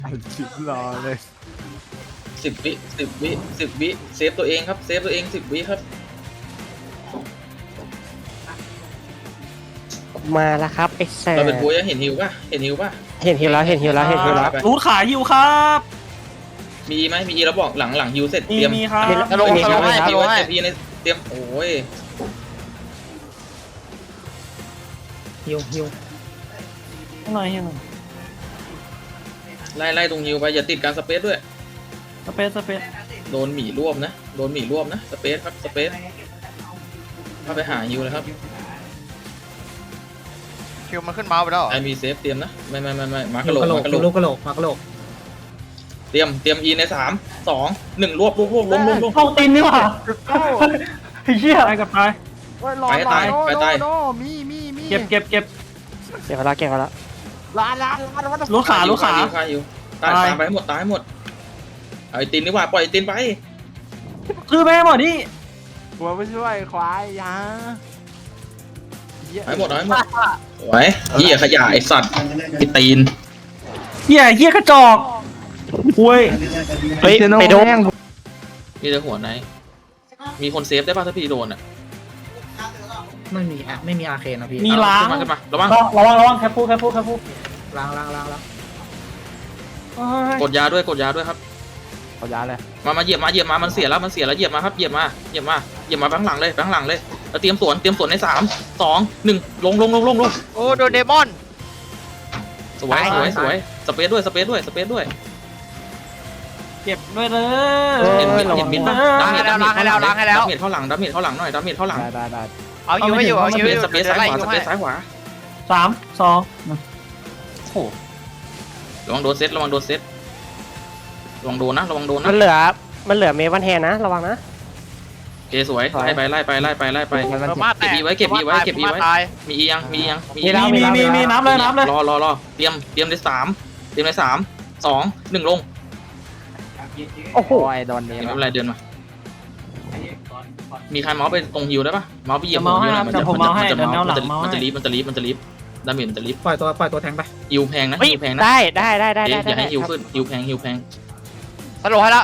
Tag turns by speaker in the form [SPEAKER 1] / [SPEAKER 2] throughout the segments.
[SPEAKER 1] อัดคลิปรอเลย
[SPEAKER 2] 10 วิเซฟตัวเองครับเซฟตัวเอง10 วิครับ
[SPEAKER 3] มาแล้วครับไอ้แซ่
[SPEAKER 2] เราเป็นบัวยังเห็นฮิวป่ะเห็นฮิวป่ะ
[SPEAKER 3] เห็นฮิวแล้วเห็นฮิวแล้วเห็นฮิวแล้ว
[SPEAKER 2] ไป
[SPEAKER 4] รูดขาหิวครับ
[SPEAKER 2] มีไหมมีแล้วบอกหลังฮิวเสร็จ
[SPEAKER 4] มี
[SPEAKER 2] เตรียม
[SPEAKER 4] มีครับ
[SPEAKER 5] ตลงตลงให้ตลงให้
[SPEAKER 2] เตรียมโอ้ย
[SPEAKER 4] หิวหน่อยหิวหน่อย
[SPEAKER 2] ไล่ตรงฮิวไปอย่าติดการสเปซด้วย
[SPEAKER 4] สเปซ
[SPEAKER 2] โดนหมีรวบนะสเปซครับสเปซเข้าไปหาฮิวเลยครับ
[SPEAKER 5] คิวมันขึ้นเมาส์ไปแล้วเหรอ
[SPEAKER 2] ไอมีเซฟเตรียมนะไม่มากระโหลก
[SPEAKER 6] กระโหลก
[SPEAKER 2] เตรียมอีใน3 2 1รวบล้ม
[SPEAKER 4] เข้าตีนนี่หว่าไอ้เหี้ยไปกับไป
[SPEAKER 2] ไปตาย
[SPEAKER 1] โน่มี
[SPEAKER 4] เก็บ
[SPEAKER 3] เก็บไปแล้ว
[SPEAKER 1] ร้าน
[SPEAKER 4] รูดขา
[SPEAKER 2] ฮิวตายไปให้หมดตายให้หมดเอาไอตินดีกว่าปล่อยไอตินไป
[SPEAKER 4] คือแม่หมดนี่
[SPEAKER 1] กลัวไม่ช่วยควายยา
[SPEAKER 2] เอาให้หมดสวยเหี้ยขยะไอสัตว์ไอตีน
[SPEAKER 4] เหี้ยกระจอกคุย
[SPEAKER 3] เฮ้ยไปโดน
[SPEAKER 2] มีแต่หัวไหนมีคนเซฟได้ป่ะถ้าพี่โดนอ่ะ
[SPEAKER 6] ไม่มีอาเคนนะพี่
[SPEAKER 4] มีล้าง
[SPEAKER 2] ขึ้นมาระวัง
[SPEAKER 4] ระวังแคปพู
[SPEAKER 6] ล้าง
[SPEAKER 2] กดยาด้วยครับ
[SPEAKER 1] เอายาเลย
[SPEAKER 2] มาเหยียบมามันเสียแล้วเหยียบมาครับเหยียบมาข้างหลังเลยแล้วเตรียมสวนใน3 2 1ลง
[SPEAKER 5] โอ้โดนเดมอน
[SPEAKER 2] สวยสเปซด้วย
[SPEAKER 4] เก็บด้วยเลย
[SPEAKER 2] เห็นมิดป่ะ
[SPEAKER 5] ล้างให้แล้ว
[SPEAKER 2] ดาเมจเข้าหลังหน่อยดาเมจเข้าหลัง
[SPEAKER 1] ได้
[SPEAKER 5] เอาฮิวไม่อยู่เอาฮิวไม่อยู่
[SPEAKER 2] สเปซซ้ายขวา
[SPEAKER 4] 3 2โอ้โห
[SPEAKER 2] ระวังโดนเซตระวังโดนนะ
[SPEAKER 3] มันเหลือเมวันแฮนนะระวังนะ
[SPEAKER 2] โอเคสวยไล่ไป
[SPEAKER 5] เออมาแตก
[SPEAKER 2] เก็บอีไว้
[SPEAKER 5] ตาย
[SPEAKER 2] มีอียัง
[SPEAKER 4] มีน้ำเลย
[SPEAKER 2] รอเตรียมใน3 2 1ลง
[SPEAKER 3] โอ้โห
[SPEAKER 1] โอ้ยโดนเน
[SPEAKER 2] ไม่เป็นไรเดินมามีใครเมาส์ไปตรงฮิวได้ปะเมาส์ไปเหยียบ มันจะรีบดาเมจมันจะรีบ
[SPEAKER 6] ปล่อยตัวแทงไป
[SPEAKER 2] ฮิวแพงนะ
[SPEAKER 3] ได้
[SPEAKER 2] อย่าให้ฮิวขึ้นฮิวแพง
[SPEAKER 5] ตลงให้แล้ว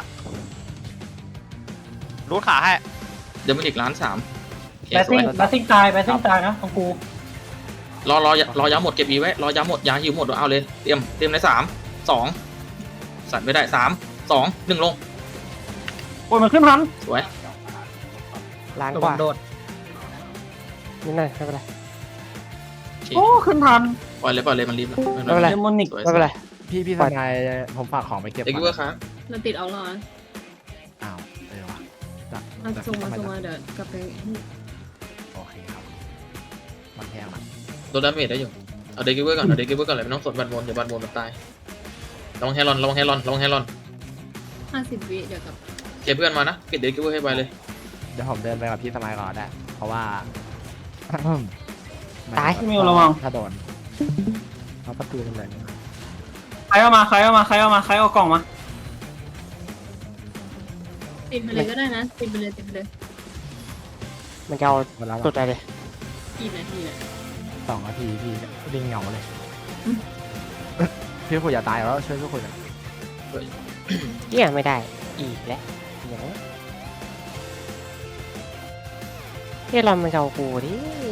[SPEAKER 5] รูดขาให้
[SPEAKER 2] เดี๋ยวมันอีก1.3 ล้าน
[SPEAKER 4] แบตติ้งตายนะของกู
[SPEAKER 2] รอยาหมดเก็บอีไว้รอยาหมดยาฮิวหมดเอาเลยเตรียมใน3 2สั่นไม่ได้3 2 1ลง
[SPEAKER 4] โอ้ยมันขึ้นทัน
[SPEAKER 2] สวย
[SPEAKER 3] ล้าน
[SPEAKER 6] ระ
[SPEAKER 3] ก
[SPEAKER 6] วั
[SPEAKER 3] ว่าง
[SPEAKER 6] โดด
[SPEAKER 3] นิดหน่อยไม่เป็นไร
[SPEAKER 4] โอ้ขึ้นทัน
[SPEAKER 2] ปล่อยเลยมันรีบแล้ว
[SPEAKER 3] ไม่เป็นไร
[SPEAKER 4] เดมอนิก
[SPEAKER 3] ไม่เป็นไร
[SPEAKER 1] พี่ทนายผมฝากของไปเก็บ
[SPEAKER 2] เด็กเวอร์ครับ
[SPEAKER 7] มันติดเอาหรอ
[SPEAKER 1] อ้าววะ
[SPEAKER 7] เอาส่งมาเดี๋ยวกลับไป
[SPEAKER 1] โอเคครับมันแพงอ่ะ
[SPEAKER 2] โดนดาเมจได้อยู่เอาเด็กเวอร์ก่อนเลยไม่ต้องสนบันบนอย่าบันบนมันตายระวังแฮรอน
[SPEAKER 7] 50 วิเดี๋ยวกลับ
[SPEAKER 2] เก็บเพื่อนมานะปิดเด็กเวอร์ให้ไปเลย
[SPEAKER 1] เดี๋ยวผมเดินไปกับพี่ทนายก่อนได้เพราะว่า
[SPEAKER 4] มิวระวัง
[SPEAKER 1] ถ้าโดนเอาประตูกันเลย
[SPEAKER 4] ใครเอากล่องมา
[SPEAKER 7] ติดไปเลยก็ได้นะติดไปเลย
[SPEAKER 3] มันจะเอา
[SPEAKER 1] เวลา
[SPEAKER 3] สุดใจเลย
[SPEAKER 7] กี่นาทีน่ะ
[SPEAKER 1] 2 นาทีพี่ดิ้งเหงาเลยพี่คุยอย่าตายแล้วช่วยพี่คุยกัน
[SPEAKER 3] เนี่ยไม่ได้อีกแล้วอย่างนี้เรามันจะเอากูดิ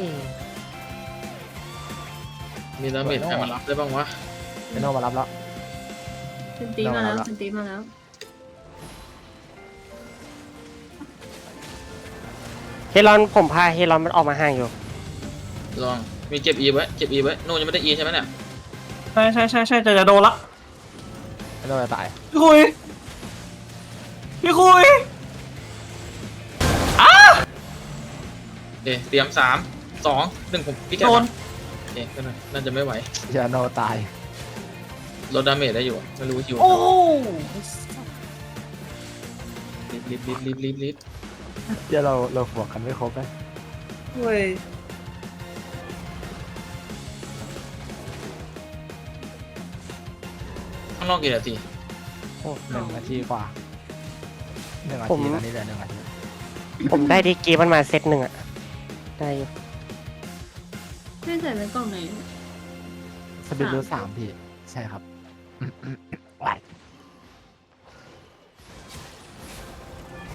[SPEAKER 2] มีดาเมจใครมารับได้บ้างวะ
[SPEAKER 1] เป็นโนมารับแล้ว
[SPEAKER 7] เป็นตีมาแล้ว
[SPEAKER 3] เฮลอนผมพาเฮลอนมันออกมาห่างอยู่
[SPEAKER 2] ลองมีเก็บอีไว้โน่ยังไม่ได้อีใช่ไหมเนี่ย
[SPEAKER 4] ใช่จะโดนละ
[SPEAKER 1] เป็นโนจะตาย
[SPEAKER 4] พี่คุย
[SPEAKER 2] โอเคเตรียม3 2 1ผมพี่แก
[SPEAKER 4] โดน
[SPEAKER 2] โอเคน่าจะไม่ไหว
[SPEAKER 1] เจอโนตาย
[SPEAKER 2] ลดดาเมจได้อยู่ไม่รู้คิว
[SPEAKER 4] โอ้
[SPEAKER 2] รีบ
[SPEAKER 1] เดี๋ยวเราบวกกันไม่ครบเลย
[SPEAKER 4] เว้ย
[SPEAKER 2] ข้างนอกกี่นาที
[SPEAKER 1] โอ้1 นาทีกว่า1 นา
[SPEAKER 3] ผม
[SPEAKER 1] ทีตอนนี้เหลือ1 นาที
[SPEAKER 3] ผมได้ดีกรีมันมาเซตหนึ่งอะได้อยู่
[SPEAKER 7] ให้ใส่ไว้กล่องไหน
[SPEAKER 1] สปินรู3พี่ใช่ครับ ไหว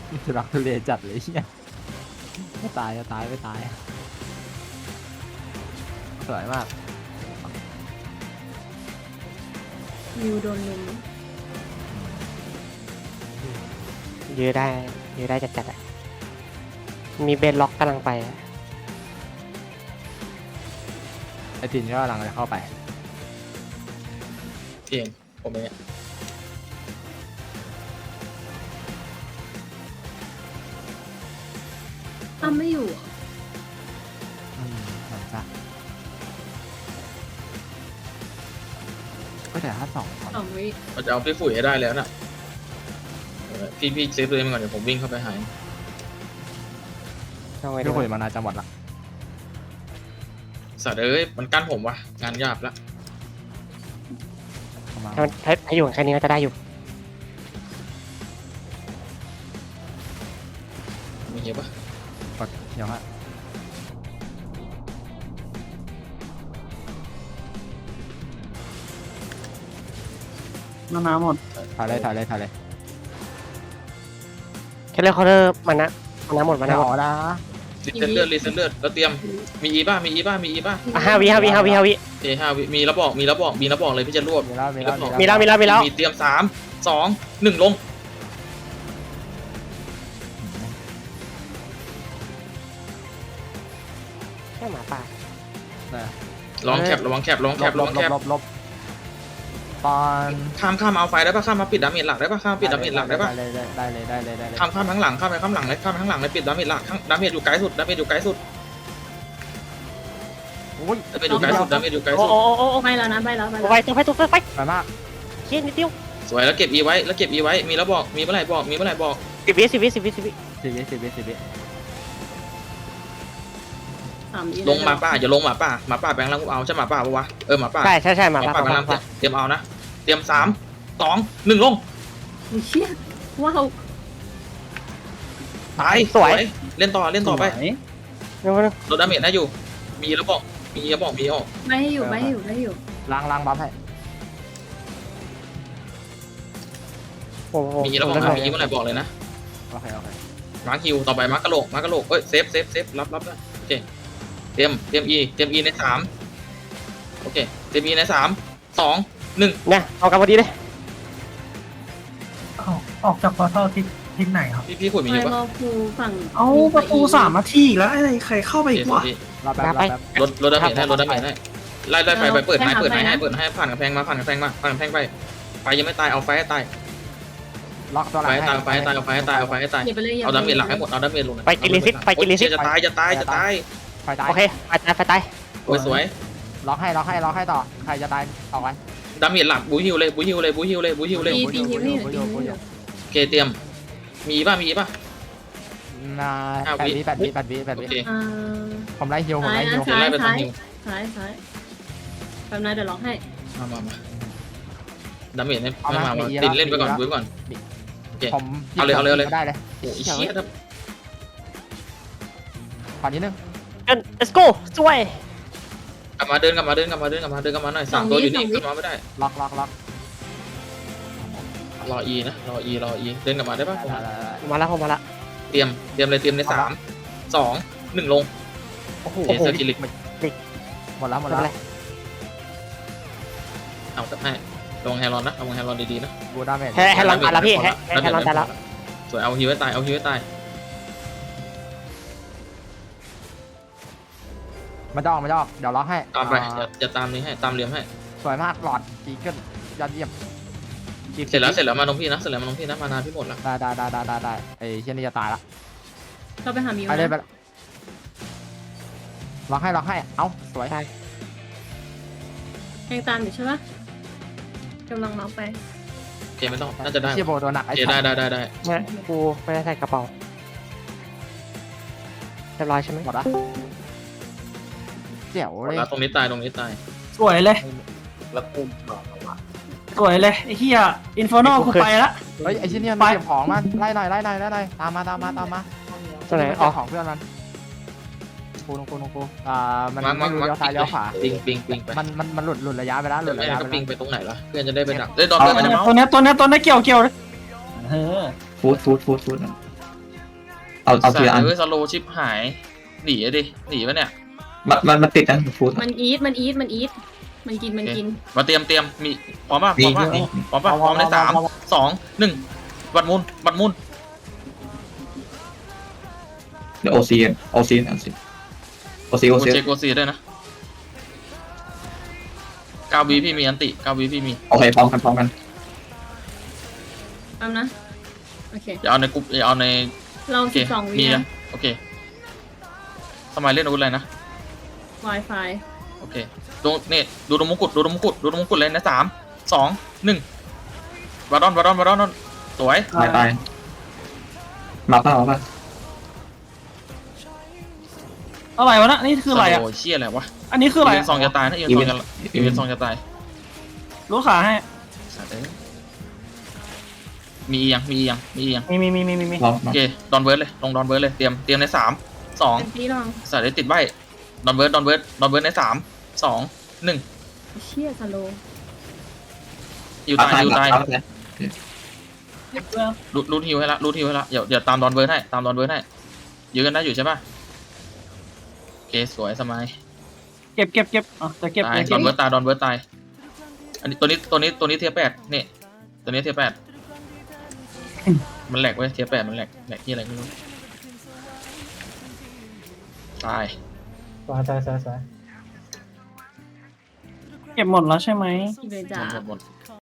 [SPEAKER 1] ทุรักทุเลจัดเลยเฮียไม่ตายจะตายไม่ตายสวยมาก
[SPEAKER 7] มิวโดนลุม
[SPEAKER 3] ยื้อได้จัดๆอะมีเบนล็อกกำลังไปอะ
[SPEAKER 1] ไอตินก็กำลังจะเข้าไป
[SPEAKER 2] พี่เองผมเอง
[SPEAKER 7] อ้ำไม่อยู่เหรอ
[SPEAKER 1] หลังจากก็แต่ถ้าสองคน
[SPEAKER 7] 2 วิ
[SPEAKER 2] เราจะเอาพี่ฝุ่ยให้ได้แล้วน่ะพี่เซฟตัวเองก่อนเดี๋ยวผมวิ่งเข้าไปหาย
[SPEAKER 3] เอาไว้ดู
[SPEAKER 1] พี่คุยมานานจังหวัดละ
[SPEAKER 2] สัตว์เอ้ยมันกั้นผมวะงานยากละ
[SPEAKER 1] ประมาณ
[SPEAKER 3] ถ้าอยู่แค่นี้ก็จะได้อยู่
[SPEAKER 2] มีเหี้ยปะ
[SPEAKER 1] กดเดี๋ยวฮะ
[SPEAKER 6] น้ำหมด
[SPEAKER 1] ถ่ายเลยถ่ายเลยถ่ายเลย
[SPEAKER 3] แค่เลือกเคาน์เตอร์มันนะหมด
[SPEAKER 1] ไม่
[SPEAKER 3] นะ
[SPEAKER 1] ออกนะ
[SPEAKER 2] รีเซ็ตเลือดแล้วเตรียมมีอีป่ะ
[SPEAKER 3] ห้าวิ
[SPEAKER 2] เอ5 วิมีแล้วบอกเลยพี่จะรวบ
[SPEAKER 1] มีแล้ว
[SPEAKER 3] มีแล้ว
[SPEAKER 2] มีเตรียม3 2 1ลง
[SPEAKER 3] แค่หมาป่า
[SPEAKER 2] ลองแคประวังแคป
[SPEAKER 1] ลบตอน
[SPEAKER 2] ข้ามเอาไฟได้ป่ะข้ามมาปิดดาเมจหลักได้ป่ะข้ามปิดดาเมจหลักได้ป่ะ
[SPEAKER 1] ได้เลย
[SPEAKER 2] ข้ามข้างหลังเลยข้ามข้างหลังเลยปิดดาเมจหลักดาเมจอยู่ไกลสุด
[SPEAKER 1] โอ้ย
[SPEAKER 2] ดาเมจอยู่ไกลสุด
[SPEAKER 3] โอ้
[SPEAKER 7] ไปแล้วนะไปแล้ว
[SPEAKER 3] ไปตัวไป
[SPEAKER 1] สวยมาก
[SPEAKER 3] เคียนิดเดียว
[SPEAKER 2] สวยแล้วเก็บอีไว้มีแล้วบอกมีเมื่อไหร่บอก
[SPEAKER 3] 10 วิ
[SPEAKER 1] สิบวิ
[SPEAKER 7] 3 วิ
[SPEAKER 2] ลงมาป่าอย่าลงหมาป่าแบงค์ลังเอาใช่หมาป่าปะวะหมาป่า
[SPEAKER 3] ใช่หมาป่า
[SPEAKER 2] แบงค์ลังเตรียมเอานะเตรียม3 2 1ลง
[SPEAKER 7] อุ๊ยเชี่ยว้าว
[SPEAKER 2] ตายเล่นต่อไปลดดาเมจได้อยู่มีแล้วบอกมีออก
[SPEAKER 7] ไม่ให้อยู่
[SPEAKER 1] ล้างบัฟให้
[SPEAKER 3] โอ้โห
[SPEAKER 2] มีแล้วบอกนะมีเมื่อไหร่บอกเลยนะ
[SPEAKER 1] โอเค
[SPEAKER 2] มาร์คฮิวต่อไปมาร์คกะโหลกเอ้ยเซฟรับนะโอเคเตรียม E ใน3โอเคเตรียม E ใน3 2 1
[SPEAKER 3] เนี่ยเอากันพอดีเลย
[SPEAKER 6] ออกจากพอร์ทัลทิศไหนครับ
[SPEAKER 2] พี่ขุดมี
[SPEAKER 7] ไป
[SPEAKER 2] อยู่ปะ
[SPEAKER 7] รอครูฝั่ง
[SPEAKER 6] เอาประตู3 นาทีแล้วอะไรใครเข้าไปอีกวะ
[SPEAKER 1] รอแป๊บ
[SPEAKER 2] ลดดาเมจให้ไล่ไปเปิดให้ผ่านกำแพงไปไฟยังไม่ตายเอาไฟให้ตาย
[SPEAKER 1] ล็อกตัวหลั
[SPEAKER 2] ไฟ
[SPEAKER 1] ง
[SPEAKER 2] ให้ตายเอาไฟให้ตาย
[SPEAKER 7] อย่าไปเลย
[SPEAKER 2] เอาดาเมจหลักให้หมดเอาดาเมจลง
[SPEAKER 3] ไปกินลิซิต
[SPEAKER 2] จะตาย
[SPEAKER 1] ไฟตาย
[SPEAKER 3] โอเคไปตาย
[SPEAKER 2] สวย
[SPEAKER 1] ล็อกให้ต่อใครจะตายออกไป
[SPEAKER 2] ดาเมจหลักบูฮิวเลย
[SPEAKER 7] ตีฮิวนี่
[SPEAKER 2] โอเคเตรียมมีป่ะ
[SPEAKER 1] นา8 วิ
[SPEAKER 2] โอเค
[SPEAKER 1] ผมไล่ฮิว
[SPEAKER 7] ซ้าย
[SPEAKER 2] ไล่ไปทางฮิว
[SPEAKER 7] แบบนั้นเดี๋ยวล็อกให้
[SPEAKER 2] มาดาเมจให้ไม่มาตินเล่นไปก่อนโอเค
[SPEAKER 1] ผม
[SPEAKER 2] เอาเลย
[SPEAKER 1] ได้เลย
[SPEAKER 2] โอ้ยเชี่ย
[SPEAKER 1] ขอนิดนึง
[SPEAKER 3] let's go ช่วย
[SPEAKER 2] กลับมาเดินกลับมาหน่อย3 ตัวอยู่นี่ขึ้นมาไม่ได้
[SPEAKER 1] ล็อก
[SPEAKER 2] รอ E นะรอ E เดินกลับมาได้ป่ะ
[SPEAKER 3] มาแล้วผมมาละ
[SPEAKER 2] เตรียมใน3 2 1ลง
[SPEAKER 1] โอ้โห
[SPEAKER 2] เทเซอร์กิลิก
[SPEAKER 1] หมดแล้ว
[SPEAKER 2] เอาสักให้ลงแฮร์รอนนะเอาแฮร์รอนดีๆนะ
[SPEAKER 1] บูดาเมจ
[SPEAKER 3] ให้ลองตายแล้วพี่ให้ลองตายแล้ว
[SPEAKER 2] สวยเอาฮิวให้ตาย
[SPEAKER 1] มันจะออกเดี๋ยวล็อกให้
[SPEAKER 2] ตามไปจะตามนี้ให้ตามเหลี่ยมให้
[SPEAKER 1] สวยมากหลอดจีเกิลยอดเยี่ยม
[SPEAKER 2] เสร็จแล้วมาตรงพี่นะมานาพี่หมดละ
[SPEAKER 1] ได้ไอ้เช่นนี้จะตายละ
[SPEAKER 7] เราไปหามิว
[SPEAKER 1] ไปเลยล็อกให้เอ้าสวย
[SPEAKER 7] ยังตามอยู่ใช่ปะกำลังล็อกไป
[SPEAKER 2] โอเคไม่ต้องน่าจะได้
[SPEAKER 1] เชียโบตัวหนัก
[SPEAKER 2] โอเคได้
[SPEAKER 3] เนี่ยกูไม่ได้ใส่กระเป๋าเรียบร้อยใช่ไหม
[SPEAKER 1] หมดละเจ๋วเลย
[SPEAKER 2] แล้วตรงนี้ตาย
[SPEAKER 6] สวยเลย
[SPEAKER 2] แล้วกุม
[SPEAKER 6] สวยเลยไอ้เหี้ยอินฟอร์นอลกูไปละ
[SPEAKER 1] เฮ้ยไอ้ชิ้นนี้มันเก็บของมันไล่หน่อยตามมา
[SPEAKER 3] ตัวไหน
[SPEAKER 1] ออกของเพื่อนมันกูมันไม่รู้เลี้ยวซ้ายเลี้ยวขวา
[SPEAKER 2] ปิงไป
[SPEAKER 1] มันหลุดระยะไปแล้วหลุดระยะ
[SPEAKER 2] ก็
[SPEAKER 1] ไป
[SPEAKER 2] ปิง
[SPEAKER 1] แล้ว
[SPEAKER 2] ไปตรงไหนล่ะเพื่อนจะได้ไปดักได้ดอน
[SPEAKER 6] ตัว
[SPEAKER 2] ด้วยนะ
[SPEAKER 6] เนี้ยเกี่ยวเลยฟูด
[SPEAKER 8] เอาทีละอัน
[SPEAKER 2] สโลชิปหายหนีอะดิหนีปะเนี่ย
[SPEAKER 8] มันติดนะฟูด
[SPEAKER 7] มันอีทมันกิน
[SPEAKER 2] มาเตรียมมีพร้อมป่ะพร้อมป่ะ
[SPEAKER 8] มี
[SPEAKER 2] พร้อมป่ะพร้อมใน3 2 1บัดมุน
[SPEAKER 8] เดี๋ยวโอซีโอซี
[SPEAKER 2] โอซีด้วยนะ9 วิพี่มีอันติ9 วิพี่มี
[SPEAKER 8] โอเคพร้อมกัน
[SPEAKER 7] แป๊บนะโอเค
[SPEAKER 2] อย่าเอาในกลุ่มอย่าเอาใน
[SPEAKER 7] เรา
[SPEAKER 2] โอเค
[SPEAKER 7] 12 วิ
[SPEAKER 2] มี
[SPEAKER 7] นะ
[SPEAKER 2] นะโอเคสมัยเล่นอาวุธอะไรนะ
[SPEAKER 7] Wi-Fi
[SPEAKER 2] โอเคดูนี่ดูตรงมงกุฎเลยนะ3 2 1วาดอนสวย
[SPEAKER 8] ตายมาป่ะ
[SPEAKER 6] อะไรวะนะนี่คืออะไรอ่ะ
[SPEAKER 2] โอ้ยเชี่ยอะไรวะ
[SPEAKER 6] อันนี้คืออะไร
[SPEAKER 2] อีเวนต์ซองจะตายนะอีเวนต์ซองจะตาย
[SPEAKER 6] รู้ขาให้
[SPEAKER 2] สัตว์เอ้ยมียัง
[SPEAKER 6] มี
[SPEAKER 8] พร้อม
[SPEAKER 2] โอเคดอนเบิร์ดเลยลงดอนเบิร์ดเลยเตรียมใน3
[SPEAKER 7] เป็น
[SPEAKER 2] 2
[SPEAKER 7] ที่ลอง
[SPEAKER 2] สัตว์ได้ติดใบดอนเบิร์ดใน3 2 1
[SPEAKER 7] เชี่ยสโล
[SPEAKER 2] ฮิวตายรูทฮิวให้ละเดี๋ยวตามดอนเบิร์ดให้ยื้อกันได้อยู่ใช่ป่ะโอเคสวยสมัย
[SPEAKER 6] เก็บอ๋อจะเก็บ
[SPEAKER 2] ตายดอนเบิร์ดตายอันนี้ตัวนี้เทียร์8นี่ตัวนี้เทียร์8มันแหลกเว้ยเทียร์8มันแหลกที่อะไรไม่รู้ตาย
[SPEAKER 1] สวย
[SPEAKER 6] เก็บหมดแล้วใช่ไหม
[SPEAKER 7] อีเวนต์จ้า
[SPEAKER 2] หมด